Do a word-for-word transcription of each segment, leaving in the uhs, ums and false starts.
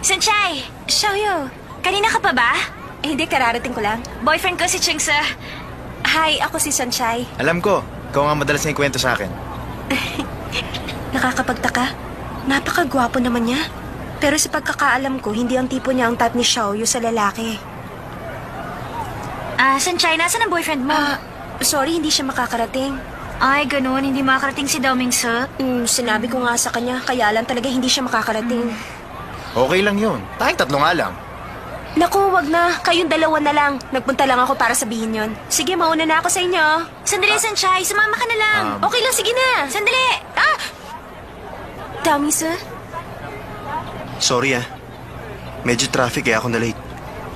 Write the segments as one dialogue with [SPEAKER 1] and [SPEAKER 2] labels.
[SPEAKER 1] Sanchay!
[SPEAKER 2] Xiaoyu,
[SPEAKER 1] Kanina ka pa ba?
[SPEAKER 2] eh, hindi, kararating ko lang.
[SPEAKER 1] Boyfriend ko si Chingsa.
[SPEAKER 2] Hi, ako si Sunshine.
[SPEAKER 3] Alam ko, ikaw nga madalas na ikwento sa akin.
[SPEAKER 2] Nakakapagtaka. Napakagwapo naman niya. Pero sa pagkakaalam ko, hindi ang tipo niya ang type ni Xiaoyu sa lalaki.
[SPEAKER 1] Ah, Sanchay, nasan ang boyfriend mo?
[SPEAKER 2] Ah, sorry, hindi siya makakarating.
[SPEAKER 1] Ay, ganun. Hindi makakarating si Dao Mingse.
[SPEAKER 2] Mm, sinabi ko nga sa kanya, kaya lang talaga hindi siya makakarating.
[SPEAKER 3] Okay lang yun. Tayong tatlo nga lang.
[SPEAKER 2] Naku, wag na. Kayong dalawa na lang. Nagpunta lang ako para sabihin yon. Sige, mauna na ako sa inyo.
[SPEAKER 1] Sandali, Sanchay. Sumama ka na lang.
[SPEAKER 3] Um,
[SPEAKER 2] Okay lang, sige na.
[SPEAKER 1] Sandali!
[SPEAKER 2] Ah! Dami, sir.
[SPEAKER 4] Sorry ah. Medyo traffic eh, ako na late.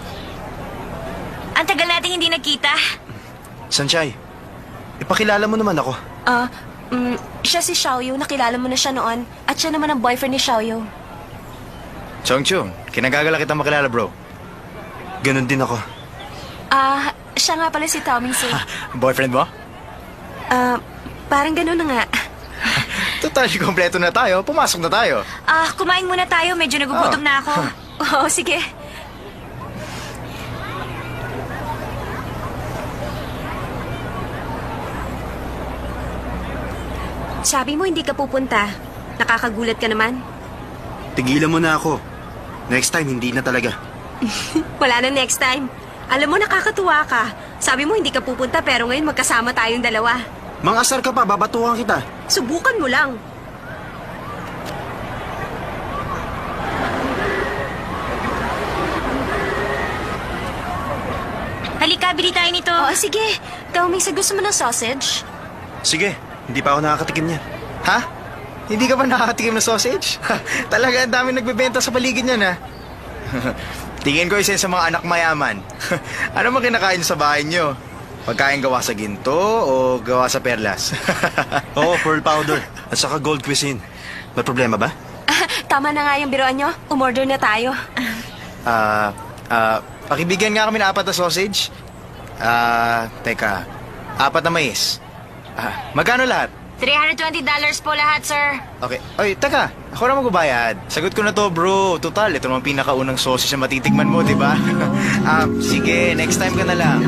[SPEAKER 1] Ang tagal nating hindi nagkita.
[SPEAKER 4] Sanchay, ipakilala mo naman ako.
[SPEAKER 2] Ah, mm, siya si Xiaoyu. Nakilala mo na siya noon. At siya naman ang boyfriend ni Xiaoyu.
[SPEAKER 3] Chong Chong, kinagagala kita makilala bro.
[SPEAKER 4] Ganon din ako.
[SPEAKER 2] Ah, siya nga pala si Tommy, sir.
[SPEAKER 3] Boyfriend mo?
[SPEAKER 2] Ah, parang gano'n na nga.
[SPEAKER 3] Total, kompleto na tayo. Pumasok na tayo.
[SPEAKER 1] Ah, kumain muna tayo. Medyo nagugutom
[SPEAKER 3] Oh.
[SPEAKER 1] na ako.
[SPEAKER 2] Oo, sige. Sabi mo hindi ka pupunta. Nakakagulat ka naman.
[SPEAKER 4] Tigilan mo na ako. Next time, hindi na talaga.
[SPEAKER 2] Wala na next time. Alam mo, nakakatuwa ka. Sabi mo hindi ka pupunta pero ngayon magkasama tayong dalawa.
[SPEAKER 4] Mang-asar ka pa, babatuhan kita.
[SPEAKER 2] Subukan mo lang.
[SPEAKER 1] Halika, bili tayo nito.
[SPEAKER 2] Oo, sige. Tommy, sa gusto mo ng sausage?
[SPEAKER 4] Sige, hindi pa ako nakakatikim niya.
[SPEAKER 3] Ha? Hindi ka ba nakakatikim ng sausage? Talaga, ang dami nagbebenta sa paligid niyan, ha? Tingin ko isa sa mga anak mayaman. Ano mo kinakain sa bahay niyo? Pagkain gawa sa ginto o gawa sa perlas?
[SPEAKER 4] Oo, pearl powder. At saka gold cuisine. May problema ba?
[SPEAKER 2] Ah, tama na nga yung biroan nyo. Umorder na tayo.
[SPEAKER 3] Ah, ah, pakibigyan nga kami ng apat na sausage. Ah, teka. Apat na mais. Ah, magkano lahat?
[SPEAKER 1] three hundred twenty dollars po lahat, sir.
[SPEAKER 3] Okay. Oy, teka. Ako na magbabayad. Sagot ko na to, bro. Total, ito naman pinakaunang sausage na matitikman mo, di ba? Ah, sige, next time ka na lang.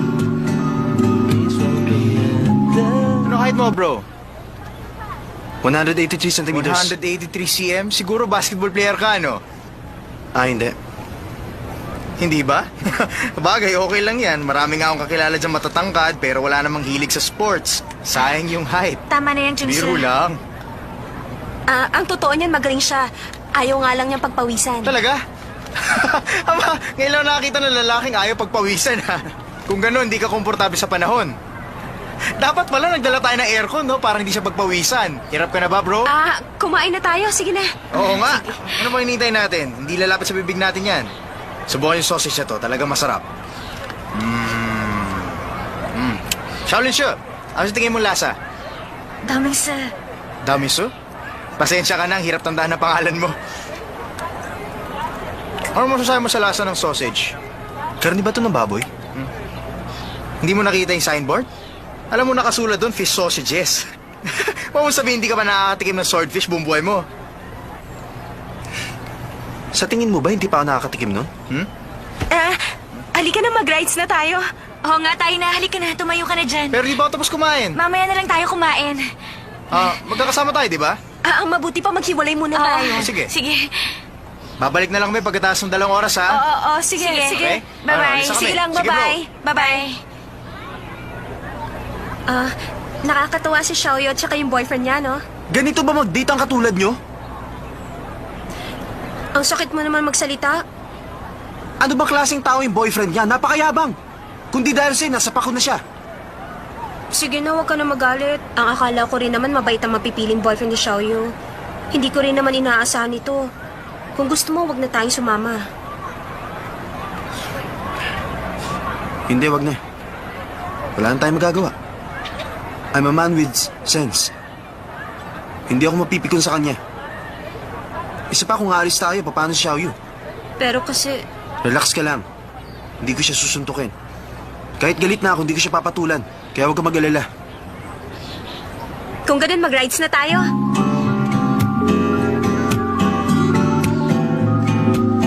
[SPEAKER 3] Ano height mo, bro?
[SPEAKER 4] one eighty-three centimeters.
[SPEAKER 3] one eighty-three centimeters? Siguro basketball player ka, no?
[SPEAKER 4] Ah, hindi.
[SPEAKER 3] Hindi ba? Bagay, okay lang yan. Marami nga akong kakilala dyan matatangkad pero wala namang hilig sa sports. Sayang yung height.
[SPEAKER 1] Tama na yan, Chingsa.
[SPEAKER 3] Biro lang.
[SPEAKER 2] Ah, ang totoo niyan, magaling siya. Ayaw nga lang niyang pagpawisan.
[SPEAKER 3] Talaga? Ama, ngayon lang nakakita ng lalaking ayaw pagpawisan, ha? Kung gano'n, hindi ka komportable sa panahon. Dapat pala nagdala tayo ng aircon, no? Para hindi siya pagpawisan. Hirap ka na ba, bro?
[SPEAKER 2] Ah, kumain na tayo. Sige na.
[SPEAKER 3] Oo nga. Ano ba hinihintay natin? Hindi lalapit sa bibig natin yan. Subukan yung sausage na to. Talaga masarap. Mmm. Mmm. Shaolin Shu, ano sa tingin mo lasa?
[SPEAKER 1] Dao Mingse.
[SPEAKER 3] Damiso? Pasensya ka na, ang hirap tandaan na pangalan mo. Ano masasabi mo sa lasa ng sausage?
[SPEAKER 4] Karni ba ito ng baboy?
[SPEAKER 3] Hindi mo nakita yung signboard? Alam mo nakasulat doon, fish sausages. Huwag mo sabihin hindi ka ba nakakatikim ng swordfish buong buhay mo?
[SPEAKER 4] Sa tingin mo ba, hindi pa ako nakakatikim nun?
[SPEAKER 3] Hmm?
[SPEAKER 2] Ah, halika na, mag-rides na tayo.
[SPEAKER 1] Oo nga, tayo na. Halika na. Tumayo ka na dyan.
[SPEAKER 3] Pero di ba ako tapos kumain?
[SPEAKER 1] Mamaya na lang tayo kumain.
[SPEAKER 3] Ah, magkakasama tayo, di ba?
[SPEAKER 2] Ah, ang mabuti pa maghiwalay muna
[SPEAKER 1] Oo.
[SPEAKER 2] tayo.
[SPEAKER 3] Sige.
[SPEAKER 1] Sige.
[SPEAKER 3] Babalik na lang kami pagkatapos ng dalawang oras,
[SPEAKER 2] Oo,
[SPEAKER 3] ha?
[SPEAKER 2] oo, oo, sige,
[SPEAKER 1] Sige.
[SPEAKER 2] sige.
[SPEAKER 3] Okay?
[SPEAKER 1] Bye-bye.
[SPEAKER 3] Ah, alis na kami.
[SPEAKER 2] Sige lang,
[SPEAKER 3] Sige, bro.
[SPEAKER 2] bye-bye. Bye-bye. Ah, nakakatuwa si Xiaoyu at saka yung boyfriend niya, no?
[SPEAKER 4] Ganito ba mag-date ang katulad nyo?
[SPEAKER 2] Ang sakit mo naman magsalita.
[SPEAKER 4] Ano ba klaseng tao yung boyfriend niya? Napakayabang. Kundi dahil sa'yo, nasa pako na siya.
[SPEAKER 2] Sige na, huwag ka na magalit. Ang akala ko rin naman mabait ang mapipiling boyfriend ni Xiaoyu. Hindi ko rin naman inaasahan ito. Kung gusto mo, wag na tayong sumama.
[SPEAKER 4] Hindi, wag na. Wala na tayong magagawa. I'm a man with sense. Hindi ako mapipikon sa kanya. Isa pa kung aalis tayo, paano si Xiaoyu?
[SPEAKER 2] Pero kasi,
[SPEAKER 4] Relax ka lang. Hindi ko siya susuntukin. Kahit galit na ako, hindi ko siya papatulan. Kaya huwag ka mag-alala.
[SPEAKER 2] kung ganun, mag-rides na tayo.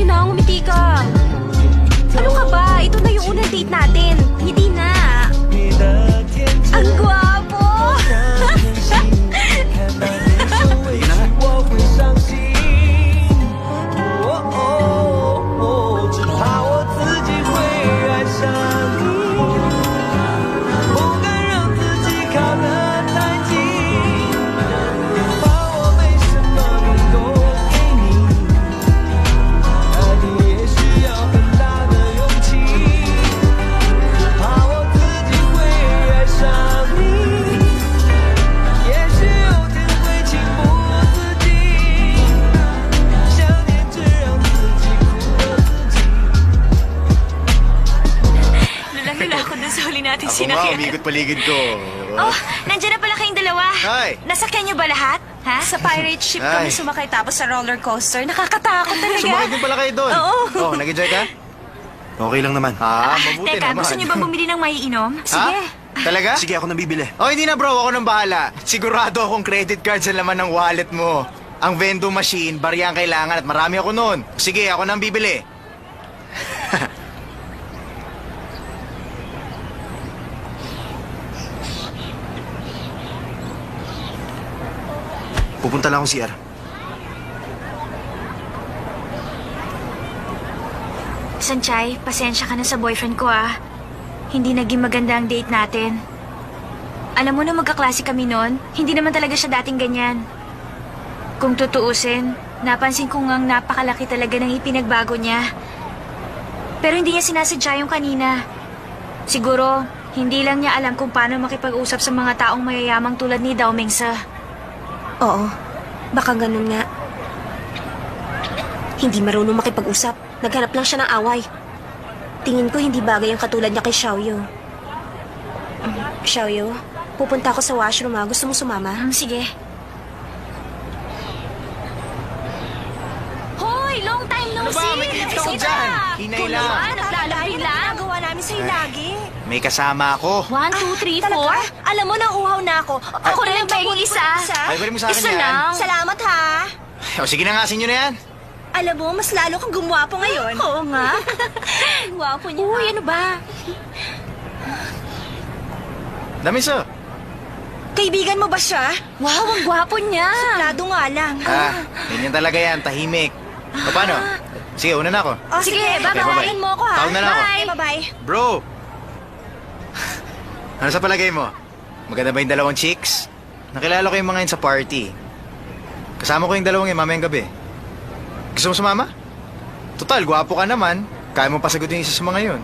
[SPEAKER 2] na, ngumiti ka. Ano ka ba? Ito na yung unang date natin. Hindi na. Ang gwapo!
[SPEAKER 4] Sige na nga.
[SPEAKER 1] Lula-lula ako dun sa huli natin
[SPEAKER 3] Ako nga,
[SPEAKER 1] sinakyan.
[SPEAKER 3] umikot paligid ko.
[SPEAKER 1] Oh, nandiyan na pala kayong dalawa.
[SPEAKER 3] Hi.
[SPEAKER 1] Nasakyan niyo ba lahat? Ha?
[SPEAKER 2] Sa pirate ship
[SPEAKER 3] Ay.
[SPEAKER 2] kami sumakay tapos sa roller coaster. Nakakatakot talaga.
[SPEAKER 3] Sumakit din pala kayo doon.
[SPEAKER 2] Oo.
[SPEAKER 3] Oh, nag-enjoy ka?
[SPEAKER 4] Okay lang naman.
[SPEAKER 3] Ah, mabuti
[SPEAKER 1] Teka,
[SPEAKER 3] naman.
[SPEAKER 1] gusto niyo ba bumili ng maiinom?
[SPEAKER 3] Sige. Talaga?
[SPEAKER 4] Sige, ako nang bibili.
[SPEAKER 3] Oh, hindi na bro. Ako nang bahala. Sigurado akong credit card sa laman ng wallet mo. Ang vending machine, bariya ang kailangan at marami ako noon. Sige, ako nang bibili.
[SPEAKER 4] Pupunta lang akong C R.
[SPEAKER 1] Sanchay, pasensya ka na sa boyfriend ko ah. Hindi naging maganda ang date natin. Alam mo na magkaklase kami noon, hindi naman talaga siya dating ganyan. Kung tutuusin, napansin ko ngang napakalaki talaga ng ipinagbago niya. Pero hindi niya sinasadya yung kanina. Siguro, hindi lang niya alam kung paano makipag-usap sa mga taong mayayamang tulad ni Dao Mingse.
[SPEAKER 2] Oo, baka ganun nga. Hindi marunong makipag-usap. Naghanap lang siya ng away. Tingin ko hindi bagay ang katulad niya kay Xiaoyu. Mm, Xiaoyu, pupunta ako sa washroom ha. Gusto mo sumama?
[SPEAKER 1] Hmm, sige.
[SPEAKER 2] Hoy, long time no
[SPEAKER 3] Ano ba? May kilito ko dyan. Hinay lang.
[SPEAKER 2] Naglalaki lang. Nagawa namin sa'yo lagi.
[SPEAKER 3] May kasama ako.
[SPEAKER 1] One, two, three, four.
[SPEAKER 2] Alam mo, nang uhaw na ako.
[SPEAKER 1] Ako rin ang pahing isa.
[SPEAKER 3] Ay, balik mo sa akin
[SPEAKER 1] Isa
[SPEAKER 3] yan.
[SPEAKER 1] lang.
[SPEAKER 2] Salamat ha.
[SPEAKER 3] O, sige na nga, sinyo na yan.
[SPEAKER 2] Alam mo, mas lalo kang gumwapo ngayon. Oo nga. Gwapo niya. Uy, ano ba?
[SPEAKER 3] Damiso.
[SPEAKER 2] Kaibigan mo ba siya?
[SPEAKER 1] Wow, ang gwapo niya.
[SPEAKER 2] Suplado nga lang.
[SPEAKER 3] Ah, ganyan talaga yan, tahimik. O, paano? Sige, una na ako.
[SPEAKER 2] Oh, sige,
[SPEAKER 3] Okay, bye-bye.
[SPEAKER 2] babayaran mo ako ha.
[SPEAKER 3] Tawag na lang ako.
[SPEAKER 2] Bye. Bye-bye.
[SPEAKER 3] Bro! Ano sa palagay mo? Maganda ba yung dalawang chicks? Nakilala ko yung mga yun sa party. Kasama ko yung dalawang yun mamayang gabi. Gusto mo sumama? Total, gwapo ka naman. Kaya mo pasagutin yung isa sa mga yun.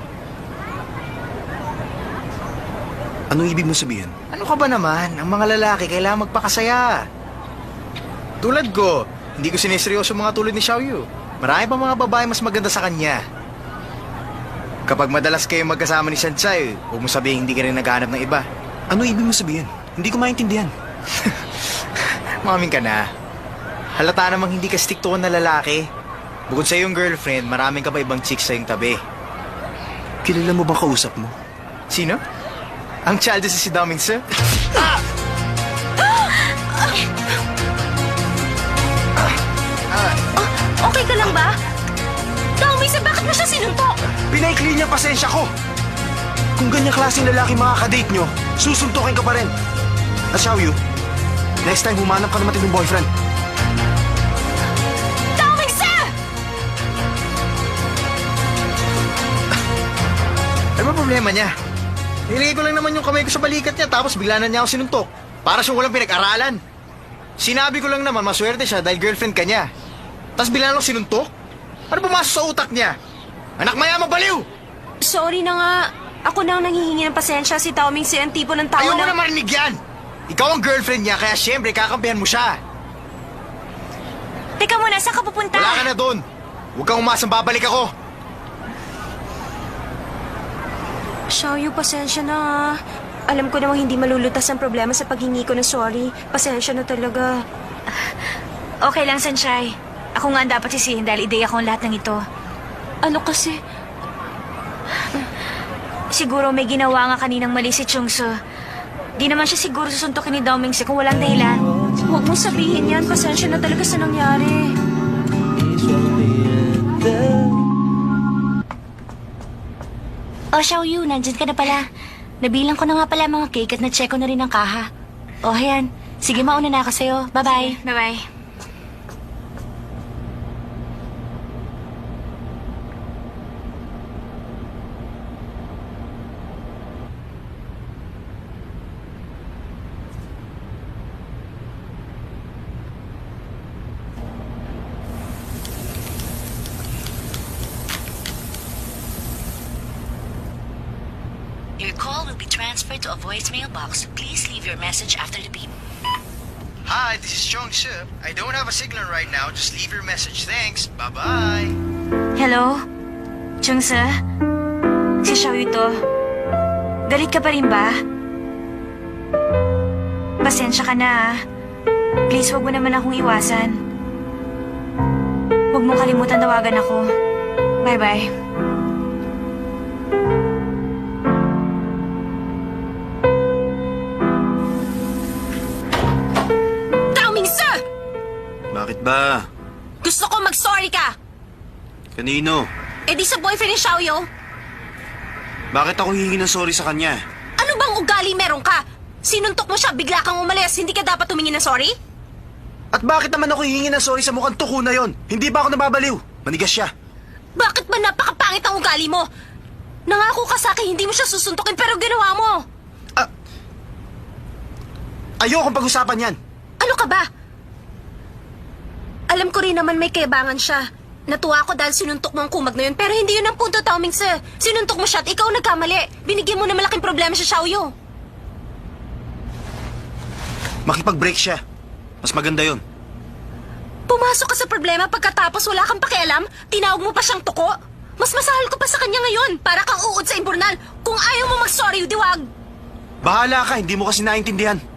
[SPEAKER 4] Anong ibig mo sabihin?
[SPEAKER 3] Ano ka ba naman? Ang mga lalaki kailangan magpakasaya. Tulad ko, hindi ko siniseryoso mga tulad ni Xiaoyu. Marami pa mga babae mas maganda sa kanya. Kapag madalas kayo magkasama ni Sanchay, huwag mo sabihin hindi ka rin naghahanap ng iba.
[SPEAKER 4] Ano ibig mo sabihin? Hindi ko maintindihan.
[SPEAKER 3] Maming ka na. Halata namang hindi ka stick-to na lalaki. Bukod sa iyong girlfriend, maraming ka pa ibang chicks sa iyong tabi.
[SPEAKER 4] Kilala mo bang kausap mo?
[SPEAKER 3] Sino? Ang child si si Dao Mingse?
[SPEAKER 2] Okay ka lang ba? Dao Mingse, bakit mo siya sinuntok?
[SPEAKER 4] Pinaikli niya pasensya ko! Kung ganyang klaseng lalaki makakadate nyo, susuntukin ka pa rin. At Xiaoyu, next time humanap ka naman ng boyfriend.
[SPEAKER 2] Dao Mingse!
[SPEAKER 3] Ano ba problema niya? Nilagay ko lang naman yung kamay ko sa balikat niya tapos bigla na niya ako sinuntok. Para siyang walang pinag-aralan. Sinabi ko lang naman maswerte siya dahil girlfriend ka niya. Tapos bigla na ako sinuntok? Ano pumasok sa utak niya? Anak mayamang baliw!
[SPEAKER 2] Sorry na nga. Ako na ang nanghihingi ng pasensya. Si Dao Mingse ang tipo ng tao
[SPEAKER 3] Ayaw mo
[SPEAKER 2] na...
[SPEAKER 3] na marinig yan! Ikaw ang girlfriend niya kaya siyempre kakampihan mo siya.
[SPEAKER 1] Teka muna, saan ka pupunta?
[SPEAKER 3] Wala ka na doon. Huwag kang umasang babalik ako.
[SPEAKER 2] Xiaoyu, pasensya na ha. Alam ko namang hindi malulutas ang problema sa paghingi ko ng sorry. Pasensya na talaga.
[SPEAKER 1] Okay lang, Sanchay. Ako nga ang dapat sisihin dahil ideya ko ang lahat ng ito.
[SPEAKER 2] Ano kasi?
[SPEAKER 1] Siguro may ginawa nga kaninang mali si Chungso. Di naman siya siguro susuntokin ni Dao Mingse kung walang dahilan.
[SPEAKER 2] Huwag mong sabihin yan. Pasensya na talaga sa nangyari.
[SPEAKER 5] the
[SPEAKER 2] Oh, Xiaoyu, nandyan ka na pala. Nabilang ko na nga pala mga cake at na-check ko na rin ang kaha. Oh, ayan. Sige, mauna na ako sa'yo. Bye-bye.
[SPEAKER 1] Bye-bye.
[SPEAKER 2] Your call will be transferred to a voicemail box. Please leave your message after the beep.
[SPEAKER 3] Hi, this is Chong Se. I don't have a signal right now. Just leave your message. Thanks. Bye-bye.
[SPEAKER 1] Hello? Chungse? Si Xiaoyu to. Galit ka pa rin ba? Pasensya ka na ah. Please, wag mo naman akong iwasan. Huwag mo kalimutan tawagan ako. Bye-bye.
[SPEAKER 2] Daming sir!
[SPEAKER 4] Bakit ba?
[SPEAKER 2] Gusto ko mag-sorry ka!
[SPEAKER 4] Kanino?
[SPEAKER 2] Eh di sa boyfriend ni Xiaoyu.
[SPEAKER 4] Bakit ako hihingi ng sorry sa kanya?
[SPEAKER 2] Ano bang ugali meron ka? Sinuntok mo siya, bigla kang umalis. Hindi ka dapat tumingin ng sorry?
[SPEAKER 4] At bakit naman ako hihingi ng sorry sa mukhang tuko na yon? Hindi ba ako nababaliw? Manigas siya.
[SPEAKER 2] Bakit ba napakapangit ang ugali mo? Nangako ka sa akin hindi mo siya susuntukin pero ginawa mo.
[SPEAKER 4] Ah, ayokong pag-usapan yan.
[SPEAKER 2] Ano ka ba? Alam ko rin naman may kayabangan siya. Natuwa ako dahil sinuntok mo ang kumag na yun. Pero hindi yun ang punto, Tao Ming Se. Sinuntok mo siya at ikaw nagkamali. Binigyan mo na malaking problema sa Xiaoyu.
[SPEAKER 4] Makipag-break siya. Mas maganda yon.
[SPEAKER 2] Pumasok ka sa problema pagkatapos wala kang pakialam, tinawag mo pa siyang tuko. Mas masahal ko pa sa kanya ngayon. Para kang uod sa imburnal. Kung ayaw mo mag-sorry, diwag.
[SPEAKER 4] Bahala ka, hindi mo kasi naintindihan.